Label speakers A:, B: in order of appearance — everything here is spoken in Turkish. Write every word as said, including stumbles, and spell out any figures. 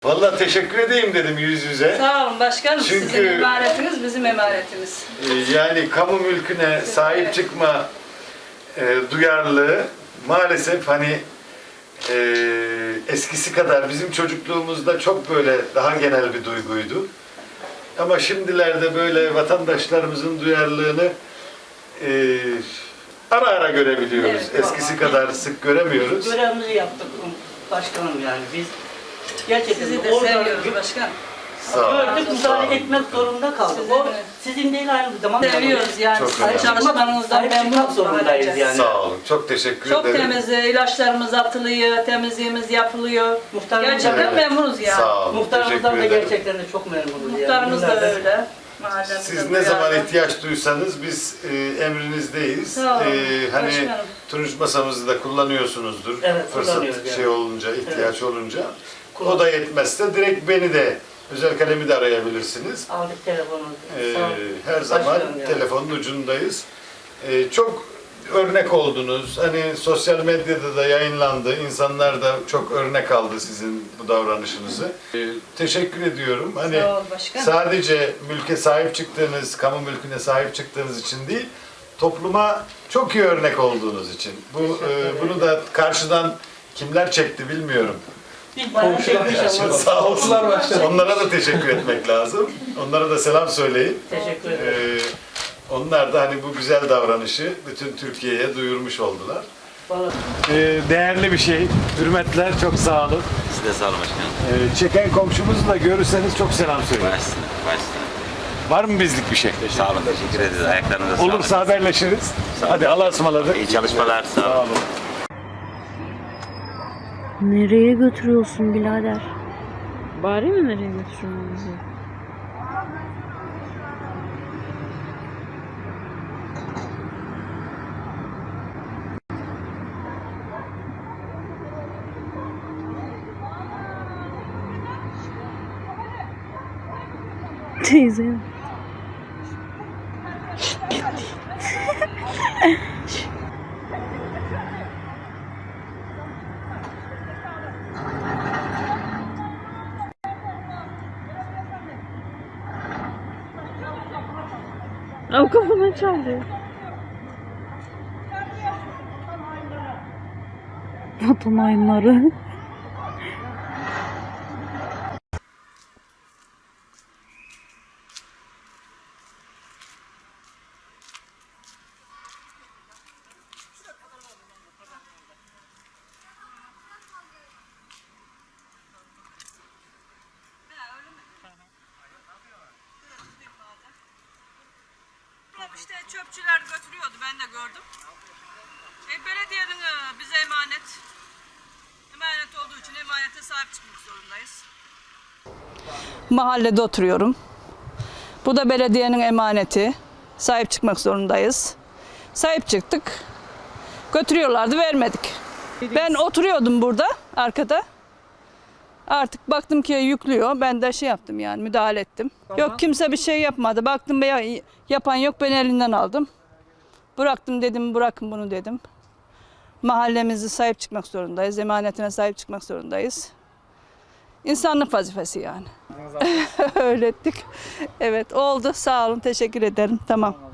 A: Vallahi teşekkür edeyim dedim yüz yüze.
B: Sağ olun başkanım.
A: Çünkü,
B: sizin emaretiniz bizim emaretimiz.
A: E, yani kamu mülküne sahip çıkma e, duyarlılığı maalesef hani e, eskisi kadar bizim çocukluğumuzda çok böyle daha genel bir duyguydu. Ama şimdilerde böyle vatandaşlarımızın duyarlılığını e, ara ara görebiliyoruz.
B: Evet,
A: eskisi kadar sık göremiyoruz.
C: Görevimizi yaptık başkanım yani biz. Gerçekten
B: Sizi de
C: orada
B: seviyoruz başkanım.
A: Sağ olun.
C: gördük, müdahale etmek zorunda kaldık.
B: Sizi
C: O
B: de.
C: sizin değil aynı zamanda.
B: Seviyoruz yani.
A: Çok
B: Sizin
A: önemli.
B: çalışmanızdan
C: Sahip çıkmak
B: memnunuz.
C: zorundayız yani.
A: Sağ olun. Çok teşekkür
B: Çok
A: ederim.
B: temiz, ilaçlarımız atılıyor, temizliğimiz yapılıyor.
C: Muhtarımız
B: Gerçekten
A: Evet.
B: memnunuz yani.
A: Sağ olun.
C: Muhtarımızdan da
A: teşekkür ederim.
C: gerçekten de çok memnunuz.
B: Muhtarımız
C: yani.
B: da öyle. Mahallemizde
A: Siz
B: bu
A: ne zaman
B: yani.
A: ihtiyaç duysanız biz e, emrinizdeyiz.
B: Sağ olun,
A: E, hani
B: başkanım.
A: turunç masamızı da kullanıyorsunuzdur.
C: Evet,
A: Fırsat
C: kullanıyoruz
A: şey
C: yani.
A: olunca, ihtiyaç
C: Evet.
A: olunca. O da yetmezse direkt beni de özel kalemi de arayabilirsiniz.
C: Aldık telefonu.
A: E,
C: Sağ olun.
A: her zaman
C: Başkanım yani.
A: telefonun ucundayız. E, çok örnek oldunuz. Hani sosyal medyada da yayınlandı. İnsanlar da çok örnek aldı sizin bu davranışınızı. E, teşekkür ediyorum. Hani
B: Sağ ol başkanım.
A: sadece mülke sahip çıktığınız, kamu mülküne sahip çıktığınız için değil, topluma çok iyi örnek olduğunuz için. Bu e, bunu da karşıdan kimler çekti bilmiyorum.
C: Biz bayağı çekmiş ama.
A: Sağ olsunlar başkanım. Onlara da teşekkür etmek lazım. Onlara da selam söyleyin.
C: Teşekkür ederim.
A: Ee, onlar da hani bu güzel davranışı bütün Türkiye'ye duyurmuş oldular.
C: Vallahi
A: Ee, değerli bir şey. Hürmetler, çok sağ olun.
D: Siz de sağ olun başkanım.
A: Ee, çeken komşumuzu da görürseniz çok selam söyleyin.
D: Başsın, başsın.
A: Var mı bizlik bir şey?
D: Sağ olun, teşekkür ederiz. Ayaklarınıza sağlık.
A: Olursa haberleşiriz. Hadi Allah'a ısmarladık.
D: İyi çalışmalar, sağ olun.
A: Sağ olun.
E: Nereye götürüyorsun birader? Bari mi nereye götürüyorsun bizi? Teyze. O kafama çaldı. Vatan hainleri.
B: İşte çöpçüler götürüyordu, ben de gördüm. E, belediyenin e, bize emanet, emanet olduğu için emanete sahip çıkmak zorundayız. Mahallede oturuyorum. Bu da belediyenin emaneti. Sahip çıkmak zorundayız. Sahip çıktık. Götürüyorlardı, vermedik. Ben oturuyordum burada, arkada. Artık baktım ki yüklüyor. Ben de şey yaptım yani, müdahale ettim. Yok kimse bir şey yapmadı. Baktım be yapan yok, ben elinden aldım. Bıraktım dedim, bırakın bunu dedim. Mahallemizi sahip çıkmak zorundayız. Emanetine sahip çıkmak zorundayız. İnsanlık vazifesi yani. Öyle ettik. Evet oldu. Sağ olun. Teşekkür ederim. Tamam.